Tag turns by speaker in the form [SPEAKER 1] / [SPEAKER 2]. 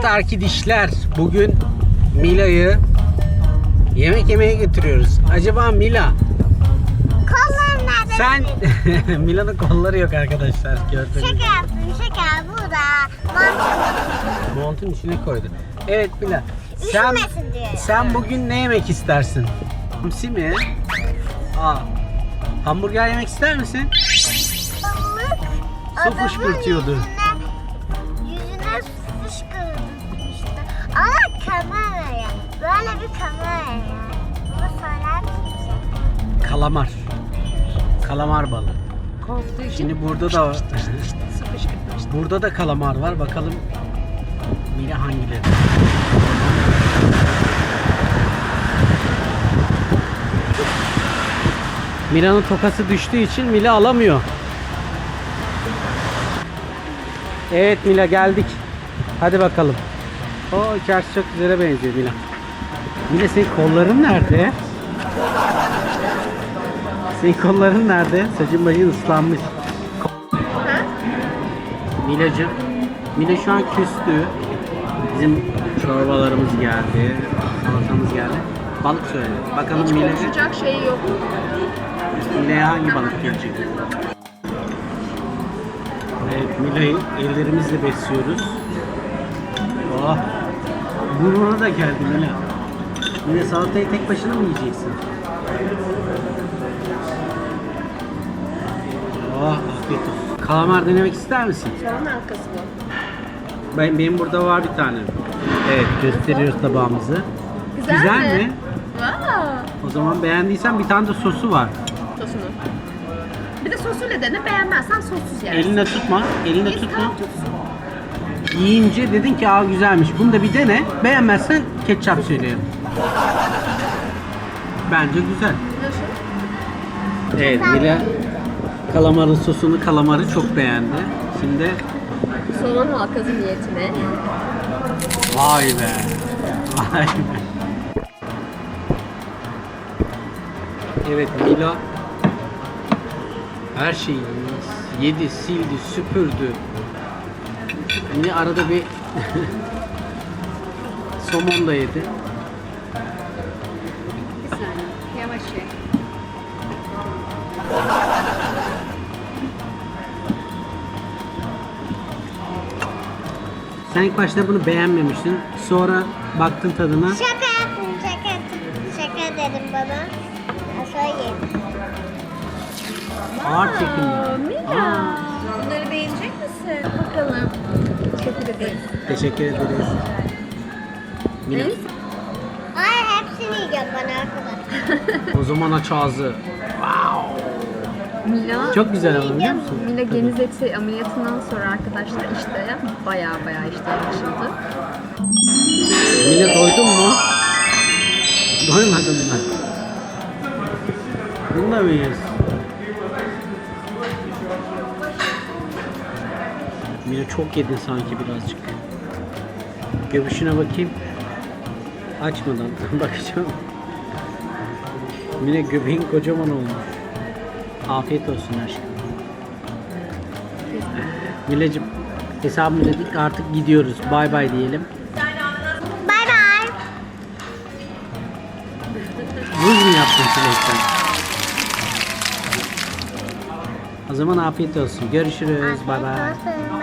[SPEAKER 1] Evet arkadaşlar, bugün Mila'yı yemek yemeye götürüyoruz. Acaba Mila,
[SPEAKER 2] Kollarım nerede?
[SPEAKER 1] sen Mila'nın kolları yok arkadaşlar, gördüğünüz gibi.
[SPEAKER 2] Şaka yaptım, şaka. Bu da
[SPEAKER 1] Montun içine koydu. Evet Mila,
[SPEAKER 2] üşümesin diye.
[SPEAKER 1] sen bugün ne yemek istersin? Hamsi mi? Hamburger yemek ister misin?
[SPEAKER 2] Balık
[SPEAKER 1] Su
[SPEAKER 2] adamın
[SPEAKER 1] fışkırtıyordu.
[SPEAKER 2] Yüzüne su fışkırtmıştı. Ama kameraya. Böyle bir kameraya. Bunu söyler misin?
[SPEAKER 1] Kalamar. Kalamar balığı.
[SPEAKER 3] Korktuğu için
[SPEAKER 1] Şimdi burada da
[SPEAKER 3] su fışkırtmıştı.
[SPEAKER 1] burada da kalamar var. Bakalım Mila hangileri? Mila'nın tokası düştüğü için Mila alamıyor. Evet Mila, geldik. Hadi bakalım. O içerisi çok güzele benziyor Mila. Mila, senin kolların nerede? Senin kolların nerede? Saçın başın ıslanmış. Milacığım. Mila şu an küstü. Bizim çorbalarımız geldi. Salatamız geldi. Balık söyle. Bakalım
[SPEAKER 3] Hiç
[SPEAKER 1] Mila'ya.
[SPEAKER 3] konuşacak şey yok.
[SPEAKER 1] Mila'ya hangi balık gelecek? Evet, Mila'yı ellerimizle besliyoruz. Oh. Burnuna da geldi Mila. Mila, salatayı tek başına mı yiyeceksin? Oh, afiyet olsun. Kalamar denemek ister misin?
[SPEAKER 3] Soğan halkası bu.
[SPEAKER 1] Benim burada var bir tane. Evet, gösteriyoruz tabağımızı.
[SPEAKER 3] Güzel
[SPEAKER 1] mi?
[SPEAKER 3] Wow.
[SPEAKER 1] O zaman beğendiysen bir tane de sosu var.
[SPEAKER 3] Sosunu. Bir de sosuyla dene, beğenmezsen sossuz yersin.
[SPEAKER 1] Eline tutma, eline
[SPEAKER 3] Biz
[SPEAKER 1] tutma.
[SPEAKER 3] tam tutsun.
[SPEAKER 1] Yiyince dedin ki aa güzelmiş. Bunu da bir dene. Beğenmezsen ketçap söyleyelim. Bence güzel.
[SPEAKER 3] Nasıl?
[SPEAKER 1] Evet, Mila kalamarın sosunu, kalamarı çok beğendi. Şimdi
[SPEAKER 3] Soğan halkası niyetine.
[SPEAKER 1] vay be. Vay be. Evet, Mila her şeyi yedi, sildi, süpürdü. Yine arada bir somon da yedi.
[SPEAKER 3] Bir saniye. Yavaş ye.
[SPEAKER 1] Sen ilk başta bunu beğenmemiştin. Sonra baktın tadına.
[SPEAKER 2] Şaka yaptım, şaka. Şaka dedim bana. Sonra yedim.
[SPEAKER 1] Ağır çekimli.
[SPEAKER 3] Mila. Bunları beğenecek misin? Bakalım. Teşekkür ederiz.
[SPEAKER 1] Teşekkür ederiz. Mila,
[SPEAKER 3] Evet.
[SPEAKER 2] Ay, hepsini yiyeceğim bana arkadaşlar.
[SPEAKER 1] o zaman aç ağzı. Wow.
[SPEAKER 3] Mila,
[SPEAKER 1] Çok güzel ama biliyor musun?
[SPEAKER 3] Mila
[SPEAKER 1] Tadı.
[SPEAKER 3] geniz eti ameliyatından sonra arkadaşlar işte baya işte açıldı.
[SPEAKER 1] Mila, doydun mu? Doymadın mı? Bunu da mı yiyorsun? Mila, çok yedin sanki birazcık. Göbüşüne bakayım. Açmadan bakacağım. Mila, göbeğin kocaman olmuş. Afiyet olsun aşkım. Milacığım, hesabını ödedik, artık gidiyoruz. Bay bay diyelim.
[SPEAKER 2] Bay bay.
[SPEAKER 1] Buz mu yaptın çilekten? O zaman afiyet olsun. Görüşürüz. Bay bay.
[SPEAKER 2] Afiyet olsun.